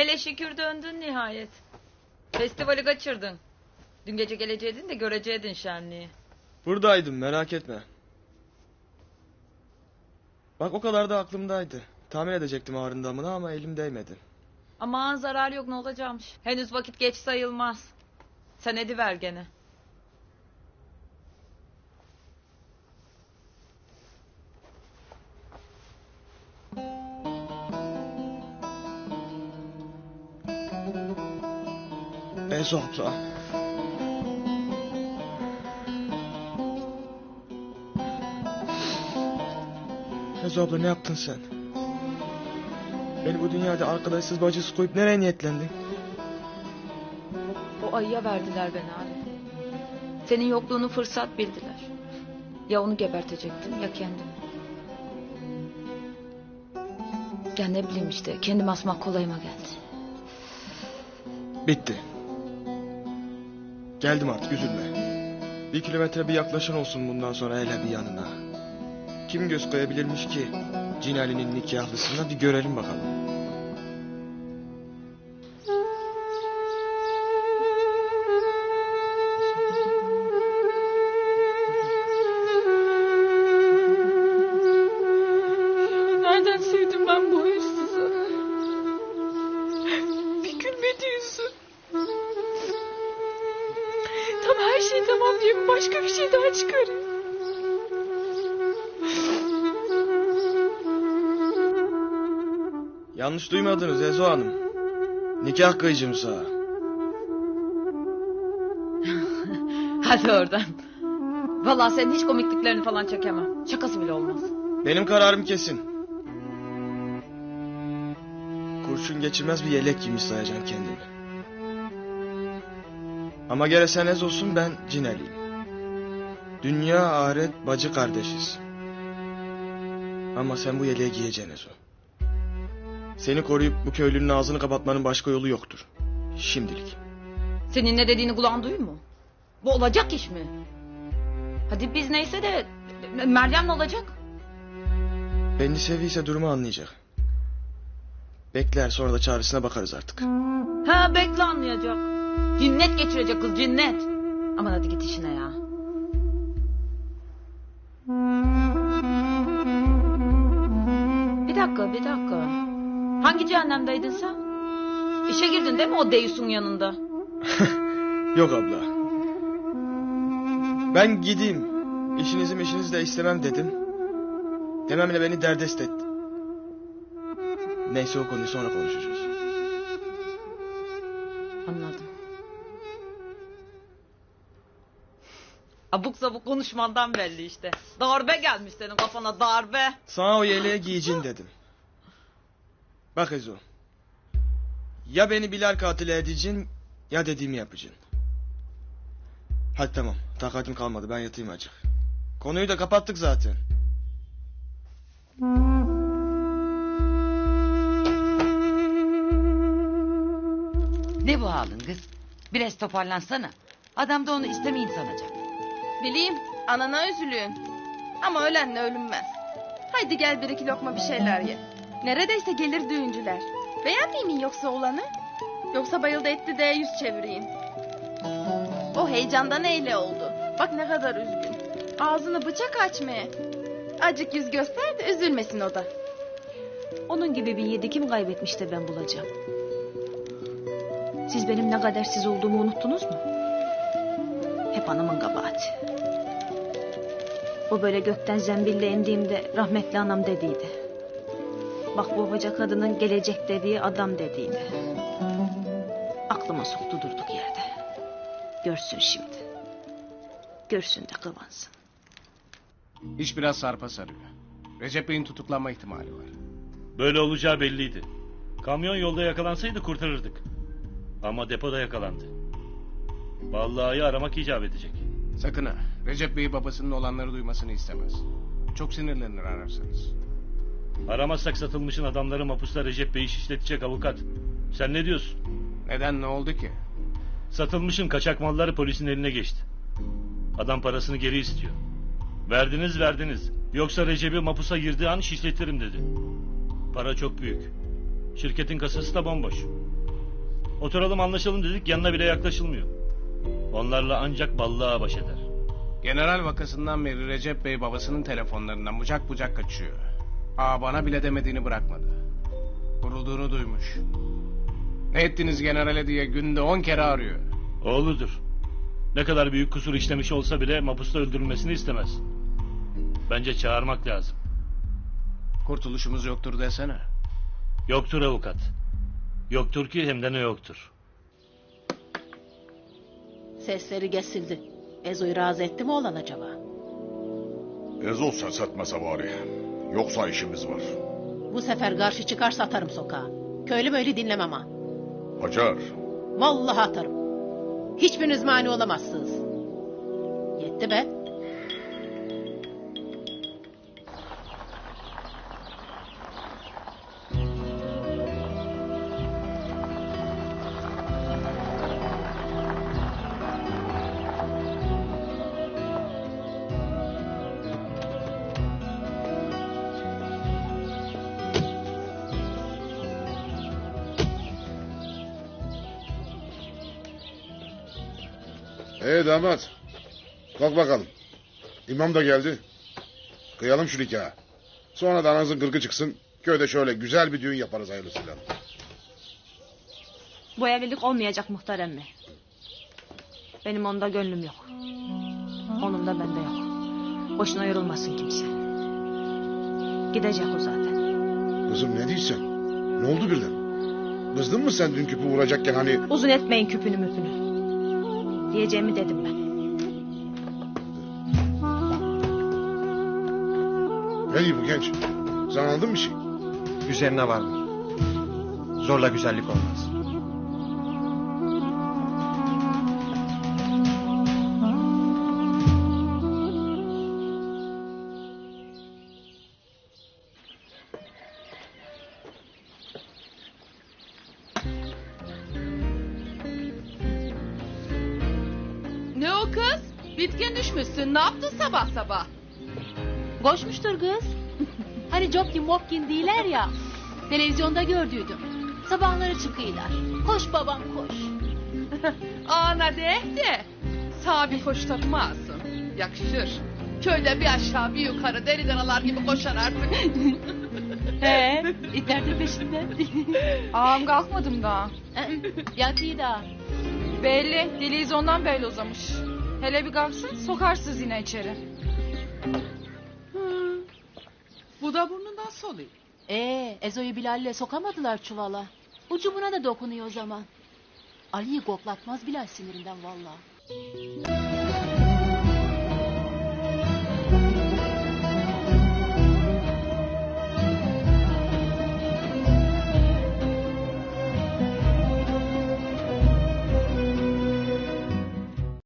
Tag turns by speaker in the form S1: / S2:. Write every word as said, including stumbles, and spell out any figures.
S1: Hele şükür döndün nihayet. Festivali kaçırdın. Dün gece geleceydin de göreceydin şenliği.
S2: Buradaydım, merak etme. Bak o kadar da aklımdaydı. Tahmin edecektim ağrındamını ama elim değmedi.
S1: Aman zarar yok, ne olacakmış. Henüz vakit geç sayılmaz. Sen ediver gene.
S2: Ezo abla. Ezo abla, ne yaptın sen? Beni bu dünyada arkadaşsız bacısız koyup nereye niyetlendin?
S1: O ayıya verdiler beni abi. Senin yokluğunu fırsat bildiler. Ya onu gebertecektim ya kendimi. Ya ne bileyim işte, kendimi asmak kolayıma geldi.
S2: Bitti. Geldim artık, üzülme. Bir kilometre bir yaklaşan olsun bundan sonra hele bir yanına. Kim göz koyabilirmiş ki Cinali'nin nikahlısına, bir görelim bakalım.
S1: Nereden sevdim ben bu hırsızı? Bir gülmedi yüzü. Tam her şey tamam diye başka bir şey daha çıkarıyor.
S2: Yanlış duymadınız Ezo Hanım. Nikah kıyıcım sana.
S1: Hadi oradan. Vallahi senin hiç komikliklerini falan çekemem. Şakası bile olmaz.
S2: Benim kararım kesin. Kurşun geçirmez bir yelek giymiş sayacaksın kendimi. Ama gene sen Ezo'sun, ben Cinali'yim. Dünya ahiret bacı kardeşiz. Ama sen bu yeleği giyeceksin Ezo. Seni koruyup bu köylünün ağzını kapatmanın başka yolu yoktur. Şimdilik.
S1: Senin ne dediğini kulağın duyuyor mu? Bu olacak iş mi? Hadi biz neyse de Meryem ne olacak?
S2: Beni seviyse durumu anlayacak. Bekler, sonra da çaresine bakarız artık.
S1: Ha, bekle anlayacak. Cinnet geçirecek kız, cinnet. Aman hadi git işine ya. Bir dakika bir dakika. Hangi cehennemdeydin sen? İşe girdin değil mi o Deyus'un yanında?
S2: Yok abla. Ben gideyim. İşinizi mişinizi de istemem dedim. Dememle beni derdest etti. Neyse, o konuyu sonra konuşacağız.
S1: Anladım. Abuk sabuk konuşmandan belli işte. Darbe gelmiş senin kafana, darbe.
S2: Sana o yeleği giyeceksin dedim. Bak Ezo. Ya beni Bilal katili edeceksin ya dediğimi yapacaksın. Hadi tamam, takatim kalmadı, ben yatayım azıcık. Konuyu da kapattık zaten.
S3: Ne bu halin kız? Biraz toparlansana. Adam da onu istemeyin sanacak.
S4: Bileyim, anana üzülüyorsun. Ama ölenle ölünmez. Haydi gel bir iki lokma bir şeyler ye. Neredeyse gelir düğüncüler. Beğenmeyeyim mi yoksa olanı? Yoksa bayıldı etti de yüz çevireyim. O heyecandan eyle oldu. Bak ne kadar üzgün. Ağzını bıçak açmaya. Acık yüz göster de üzülmesin o da.
S5: Onun gibi bir yedi kim kaybetmiş de ben bulacağım. Siz benim ne kadersiz olduğumu unuttunuz mu? Hep anamın kabahati. O böyle gökten zembille indiğimde rahmetli anam dediydi. Bak bu hoca kadının gelecek dediği adam dediydi. Aklıma soktu durduk yerde. Görsün şimdi. Görsün de kıvansın.
S6: İş biraz sarpa sarıyor. Recep Bey'in tutuklanma ihtimali var.
S7: Böyle olacağı belliydi. Kamyon yolda yakalansaydı kurtarırdık. Ama depoda yakalandı. Vallahi aramak icap edecek.
S6: Sakın ha. Recep Bey babasının olanları duymasını istemez. Çok sinirlenir ararsanız.
S7: Aramazsak satılmışın adamları mapusta Recep Bey'i şişletecek avukat. Sen ne diyorsun?
S6: Neden, ne oldu ki?
S7: Satılmışın kaçak malları polisin eline geçti. Adam parasını geri istiyor. Verdiniz verdiniz. Yoksa Recep'i mapusa girdiği an şişletirim dedi. Para çok büyük. Şirketin kasası da bomboş. Oturalım anlaşalım dedik, yanına bile yaklaşılmıyor. Onlarla ancak ballığa baş eder.
S6: General vakasından beri Recep Bey babasının telefonlarından bucak bucak kaçıyor. Aa bana bile demediğini bırakmadı. Vurulduğunu duymuş. Ne ettiniz generale diye günde on kere arıyor.
S7: Oğludur. Ne kadar büyük kusur işlemiş olsa bile mapusta öldürülmesini istemez. Bence çağırmak lazım.
S6: Kurtuluşumuz yoktur desene.
S7: Yoktur avukat. Yoktur ki hem de ne yoktur.
S8: Sesleri kesildi. Ezo'yu razı etti mi olan acaba?
S9: Ezo ses etmese bari. Yoksa işimiz var.
S8: Bu sefer karşı çıkarsa atarım sokağa. Köylü böyle dinlemem ha.
S9: Hacer.
S8: Vallahi atarım. Hiçbiriniz mani olamazsınız. Yetti be.
S9: Ee damat. Kalk bakalım. İmam da geldi. Kıyalım şu nikahı. Sonra da ananızın gırgı çıksın. Köyde şöyle güzel bir düğün yaparız hayırlısıyla.
S5: Bu evlilik olmayacak muhtar emmi. Benim onda gönlüm yok. Onun da bende yok. Boşuna yorulmasın kimse. Gidecek o zaten.
S9: Kızım ne diyorsun? Ne oldu birden? Kızdın mı sen dün küpü vuracakken hani...
S5: Uzun etmeyin küpünü müpünü. Diyeceğimi dedim ben.
S9: Ne diyor bu genç? Sen anladın mı bir şey?
S2: Üzerine vardır. Zorla güzellik olmaz.
S4: Ne o kız? Bitkin düşmüşsün. Ne yaptın sabah sabah?
S10: Koşmuştur kız. Hani Jopkin Mopkin değiller ya. Televizyonda gördüydüm. Sabahları çıkıyorlar. Koş babam koş.
S4: Ana de de. Sağ bir koş takmazsın. Yakışır. Köyde bir aşağı bir yukarı deli danalar gibi koşar artık.
S10: He, itler de peşinden.
S4: Ağam kalkmadım daha.
S10: Yatıyı da.
S4: Belli. Televizyondan belli uzamış. Hele bir kalksın sokarsınız yine içeri. Bu da burnundan soluyor.
S10: Ee, Ezo'yu Bilal'le sokamadılar çuvala. Ucumuna da dokunuyor o zaman. Ali'yi koklatmaz Bilal sinirinden vallahi.